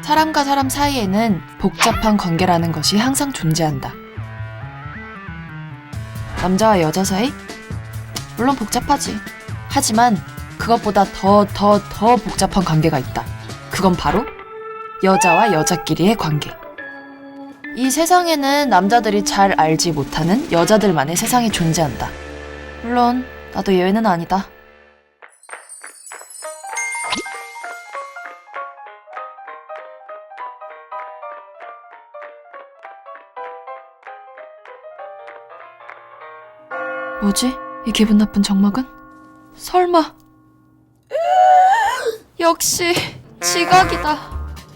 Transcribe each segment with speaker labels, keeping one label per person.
Speaker 1: 사람과 사람 사이에는 복잡한 관계라는 것이 항상 존재한다. 남자와 여자 사이? 물론 복잡하지. 하지만 그것보다 더 복잡한 관계가 있다. 그건 바로 여자와 여자끼리의 관계. 이 세상에는 남자들이 잘 알지 못하는 여자들만의 세상이 존재한다. 물론 나도 예외는 아니다. 뭐지? 이 기분 나쁜 정막은? 설마 역시 지각이다.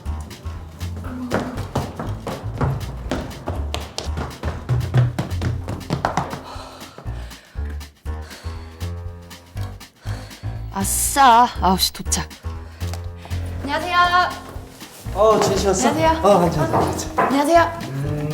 Speaker 1: 아싸, 9시 도착. 안녕하세요.
Speaker 2: 지은 씨 왔어?
Speaker 1: 안녕하세요.
Speaker 2: 괜찮아.
Speaker 1: 안녕하세요.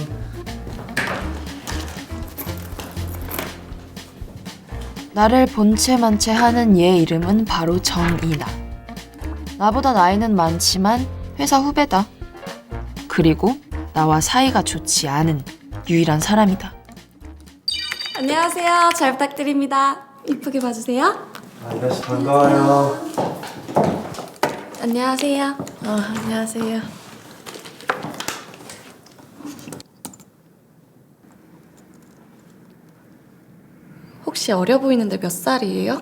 Speaker 1: 나를 본체만체 하는 얘 이름은 바로 정이나. 나보다 나이는 많지만 회사 후배다. 그리고 나와 사이가 좋지 않은 유일한 사람이다.
Speaker 3: 안녕하세요. 잘 부탁드립니다. 이쁘게 봐주세요.
Speaker 2: 이나 씨 반가워요.
Speaker 3: 안녕하세요.
Speaker 1: 안녕하세요.
Speaker 3: 혹시 어려 보이는데 몇 살이에요?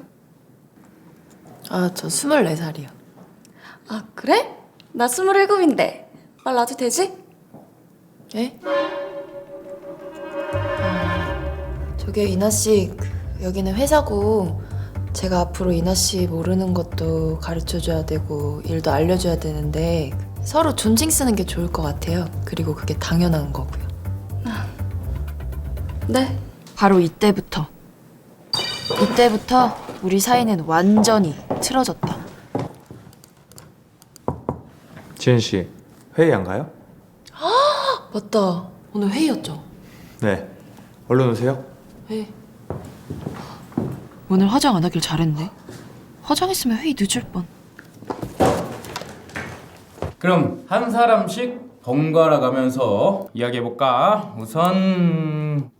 Speaker 1: 저 24살이요.
Speaker 3: 아, 그래? 나 27인데. 말 놔도 되지?
Speaker 1: 예? 저기 이나씨, 여기는 회사고 제가 앞으로 이나씨 모르는 것도 가르쳐줘야 되고 일도 알려줘야 되는데 서로 존칭 쓰는 게 좋을 것 같아요. 그리고 그게 당연한 거고요.
Speaker 3: 네.
Speaker 1: 바로 이때부터 우리 사이는 완전히 틀어졌다.
Speaker 2: 지은 씨 회의 안 가요?
Speaker 1: 맞다. 오늘 회의였죠?
Speaker 2: 네. 얼른 오세요.
Speaker 1: 회. 오늘 화장 안 하길 잘했네. 화장했으면 회의 늦을 뻔.
Speaker 4: 그럼 한 사람씩 번갈아 가면서 이야기해볼까? 우선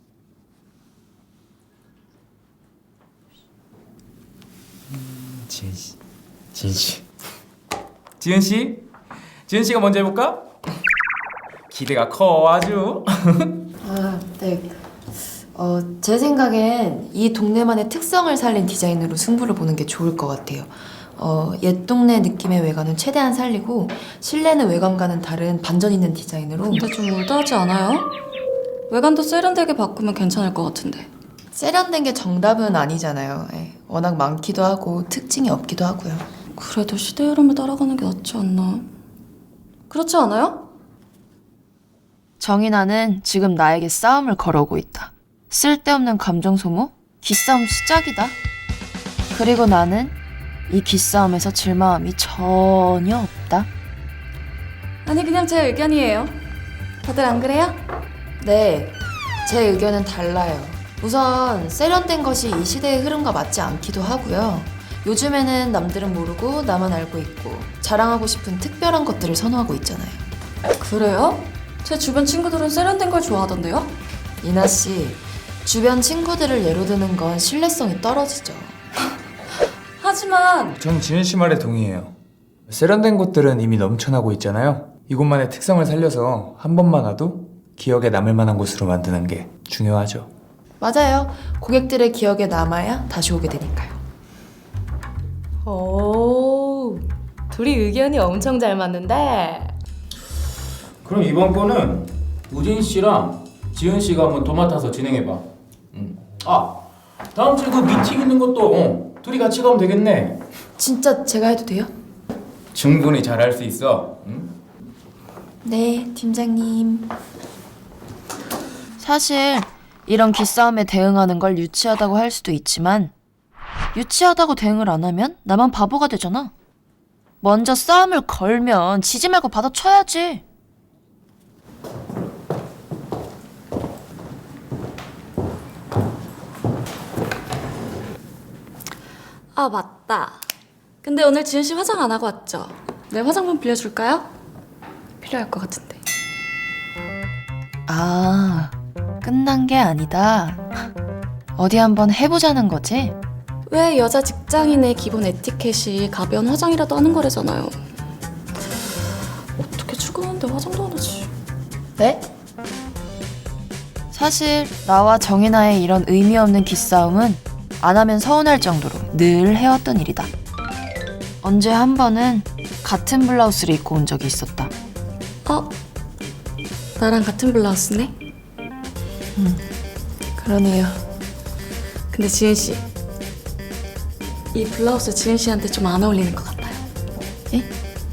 Speaker 4: 지은 씨가 먼저 해볼까? 기대가 커 아주.
Speaker 1: 네. 제 생각엔 이 동네만의 특성을 살린 디자인으로 승부를 보는 게 좋을 것 같아요. 옛 동네 느낌의 외관은 최대한 살리고 실내는 외관과는 다른 반전 있는 디자인으로.
Speaker 3: 근데 좀 올드하지 않아요? 외관도 세련되게 바꾸면 괜찮을 것 같은데.
Speaker 1: 세련된 게 정답은 아니잖아요. 워낙 많기도 하고 특징이 없기도 하고요.
Speaker 3: 그래도 시대 흐름을 따라가는 게 낫지 않나? 그렇지 않아요?
Speaker 1: 정인아는 지금 나에게 싸움을 걸어오고 있다. 쓸데없는 감정 소모? 기싸움 시작이다. 그리고 나는 이 기싸움에서 질 마음이 전혀 없다.
Speaker 3: 아니, 그냥 제 의견이에요. 다들 안 그래요?
Speaker 1: 네, 제 의견은 달라요. 우선 세련된 것이 이 시대의 흐름과 맞지 않기도 하고요. 요즘에는 남들은 모르고 나만 알고 있고 자랑하고 싶은 특별한 것들을 선호하고 있잖아요.
Speaker 3: 그래요? 제 주변 친구들은 세련된 걸 좋아하던데요?
Speaker 1: 이나 씨, 주변 친구들을 예로 드는 건 신뢰성이 떨어지죠.
Speaker 3: 하지만
Speaker 5: 전 지은 씨 말에 동의해요. 세련된 곳들은 이미 넘쳐나고 있잖아요. 이곳만의 특성을 살려서 한 번만 와도 기억에 남을 만한 곳으로 만드는 게 중요하죠.
Speaker 1: 맞아요. 고객들의 기억에 남아야 다시 오게 되니까요.
Speaker 6: 오, 둘이 의견이 엄청 잘 맞는데.
Speaker 4: 그럼 이번 거는 우진 씨랑 지은 씨가 한번 도맡아서 진행해봐. 다음 주에 그 미팅 있는 것도 둘이 같이 가면 되겠네.
Speaker 1: 진짜 제가 해도 돼요?
Speaker 4: 충분히 잘할 수 있어.
Speaker 1: 네, 팀장님. 사실 이런 기싸움에 대응하는 걸 유치하다고 할 수도 있지만 유치하다고 대응을 안 하면 나만 바보가 되잖아. 먼저 싸움을 걸면 지지 말고 받아쳐야지.
Speaker 3: 아, 맞다. 근데 오늘 지은 씨 화장 안 하고 왔죠? 내 화장품 빌려줄까요? 필요할 것 같은데.
Speaker 1: 아, 끝난 게 아니다. 어디 한번 해보자는 거지?
Speaker 3: 왜 여자 직장인의 기본 에티켓이 가벼운 화장이라도 하는 거래잖아요. 어떻게 출근하는데 화장도 안 하지?
Speaker 1: 네? 사실 나와 정혜나의 이런 의미 없는 기싸움은 안 하면 서운할 정도로 늘 해왔던 일이다. 언제 한 번은 같은 블라우스를 입고 온 적이 있었다.
Speaker 3: 나랑 같은 블라우스네?
Speaker 1: 그러네요.
Speaker 3: 근데 지은 씨, 이 블라우스 지은 씨한테 좀 안 어울리는 것 같아요.
Speaker 1: 예?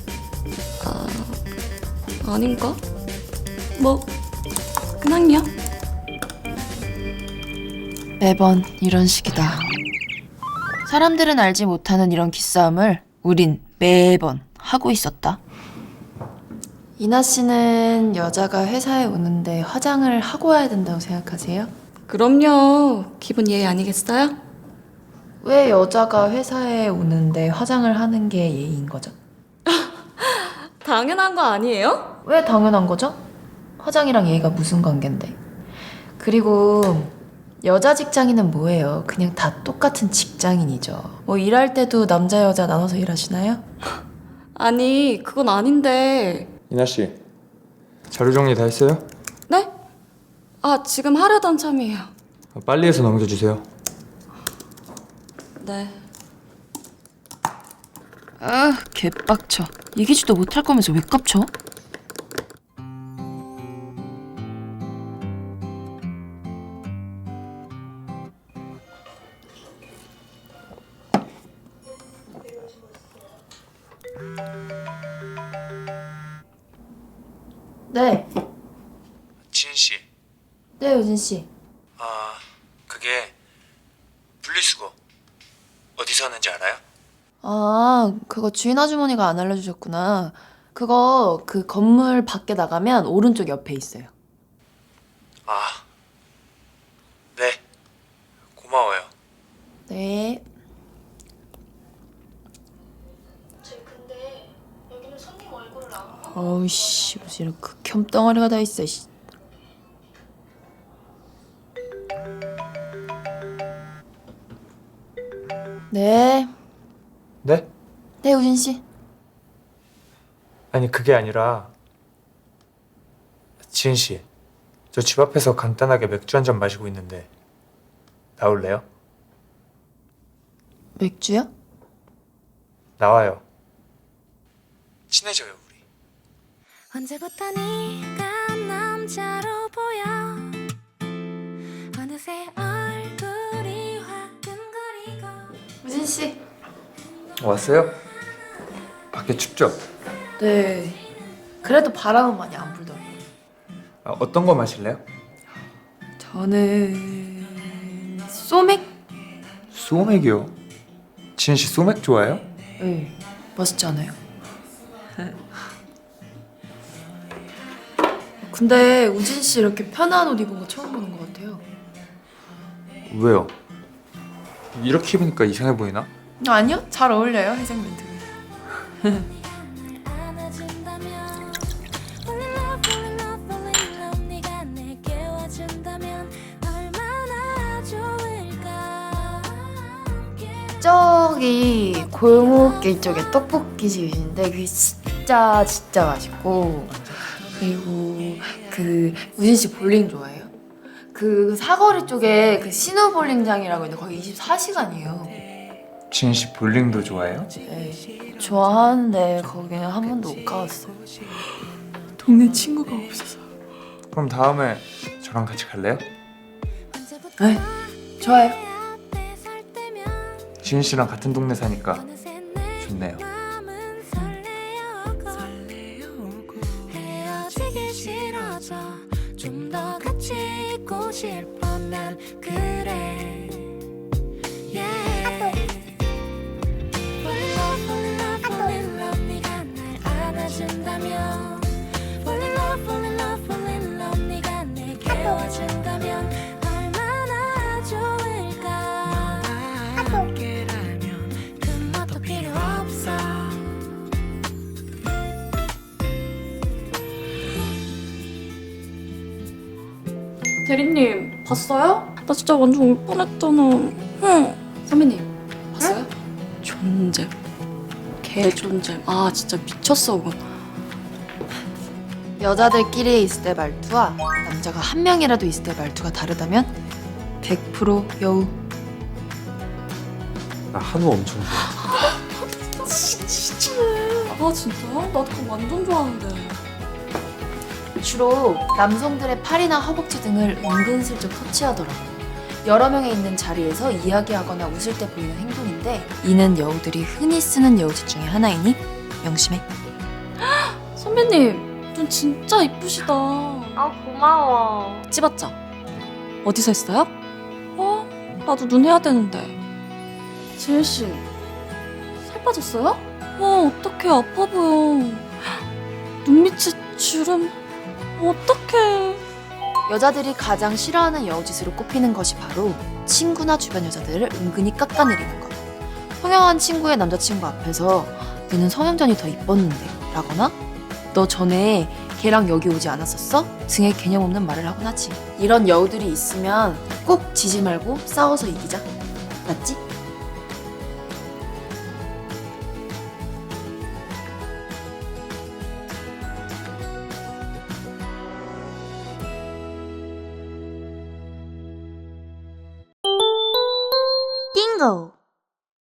Speaker 3: 아닌가? 뭐 그냥요.
Speaker 1: 매번 이런 식이다. 사람들은 알지 못하는 이런 기싸움을 우린 매번 하고 있었다. 이나 씨는 여자가 회사에 오는데 화장을 하고 와야 된다고 생각하세요?
Speaker 3: 그럼요. 기본 예의 아니겠어요?
Speaker 1: 왜 여자가 회사에 오는데 화장을 하는 게 예의인 거죠?
Speaker 3: 당연한 거 아니에요?
Speaker 1: 왜 당연한 거죠? 화장이랑 예의가 무슨 관계인데? 그리고 여자 직장인은 뭐예요? 그냥 다 똑같은 직장인이죠. 뭐 일할 때도 남자 여자 나눠서 일하시나요?
Speaker 3: 아니 그건 아닌데.
Speaker 5: 이나 씨, 자료 정리 다 했어요?
Speaker 3: 네? 지금 하려던 참이에요.
Speaker 5: 빨리 해서 넘겨주세요.
Speaker 3: 네.
Speaker 1: 아, 개빡쳐. 이기지도 못할 거면서 왜 깝쳐? 네.
Speaker 5: 지은 씨,
Speaker 1: 네, 우진 씨.
Speaker 5: 그게 분리수거 어디서 하는지 알아요?
Speaker 1: 아, 그거 주인 아주머니가 안 알려주셨구나. 그거 그 건물 밖에 나가면 오른쪽 옆에 있어요.
Speaker 5: 네. 고마워요.
Speaker 1: 네. 어우씨, 무슨 이런 극혐 덩어리가 다 있어, 씨. 네.
Speaker 5: 네?
Speaker 1: 네, 우진 씨.
Speaker 5: 아니 그게 아니라 지은 씨, 저 집 앞에서 간단하게 맥주 한 잔 마시고 있는데 나올래요?
Speaker 1: 맥주요?
Speaker 5: 나와요. 친해져요 우리.
Speaker 7: 언제부터 네가 남자로 보여 어느새 얼굴이 화끈거리고
Speaker 1: 우진 씨.
Speaker 5: 왔어요? 밖에 춥죠?
Speaker 1: 네. 그래도 바람은 많이 안 불더라고요.
Speaker 5: 어떤 거 마실래요?
Speaker 1: 저는 소맥?
Speaker 5: 소맥이요. 지은 씨 소맥 좋아해요?
Speaker 1: 네. 맛있지 않아요? 근데 우진 씨 이렇게 편한 옷 입은 거 처음 보는 것 같아요.
Speaker 5: 왜요? 이렇게 입으니까 이상해 보이나?
Speaker 1: 아니요, 잘 어울려요, 회색 멘트가.
Speaker 7: 안아준다면 Fall in love, fall in love, fall in love 네가 내게 와준다면 얼마나 좋을까
Speaker 1: 저기 골목길 쪽에 떡볶이 집인데 그게 진짜 맛있고, 그리고 그 우진 씨 볼링 좋아해요? 그 사거리 쪽에 그 신호 볼링장이라고 있는데 거기 24시간이에요.
Speaker 5: 지은 씨 볼링도 좋아해요?
Speaker 1: 네, 좋아하는데 거기는 한 번도 못 가봤어요. 동네 친구가 없어서.
Speaker 5: 그럼 다음에 저랑 같이 갈래요?
Speaker 1: 네, 좋아요.
Speaker 7: 앞에 설 때면
Speaker 5: 지은 씨랑 같은 동네 사니까
Speaker 7: 어느새 내
Speaker 5: 좋네요.
Speaker 7: 마음은 설레어오고 헤어지기 싫어져 좀 더 같이 있고 싶어 난 그래 yeah. Fall in love, fall in love, fall in love 네가 날 안아준다면 Fall in love, fall in love, fall in love 네가 내게 와준다면 얼마나 좋을까 함께라면 그 뭣도 필요 없어
Speaker 3: 대리님 봤어요? 나 진짜 완전 울 뻔했잖아. 선배님 봤어요? 존잼. 개 존잼. 아 진짜 미쳤어 그건.
Speaker 1: 여자들끼리 있을 때 말투와 남자가 한 명이라도 있을 때 말투가 다르다면 100% 여우.
Speaker 2: 나 한우 엄청 좋아.
Speaker 3: 아 진짜? 나 그거 완전 좋아하는데.
Speaker 1: 주로 남성들의 팔이나 허벅지 등을 은근슬쩍 터치하더라고. 여러 명이 있는 자리에서 이야기하거나 웃을 때 보이는 행동인데 이는 여우들이 흔히 쓰는 여우짓 중에 하나이니 명심해.
Speaker 3: 선배님 눈 진짜 이쁘시다.
Speaker 6: 아, 고마워.
Speaker 3: 찝었죠? 어디서 했어요? 나도 눈 해야 되는데. 지은씨, 살 빠졌어요? 어떡해, 아파 보여. 눈 밑에 주름, 어떡해.
Speaker 1: 여자들이 가장 싫어하는 여우짓으로 꼽히는 것이 바로 친구나 주변 여자들을 은근히 깎아내리는 것. 성형한 친구의 남자친구 앞에서 너는 성형전이 더 이뻤는데 라거나 너 전에 걔랑 여기 오지 않았었어? 등의 개념 없는 말을 하곤 하지. 이런 여우들이 있으면 꼭 지지 말고 싸워서 이기자. 맞지?
Speaker 7: 띵고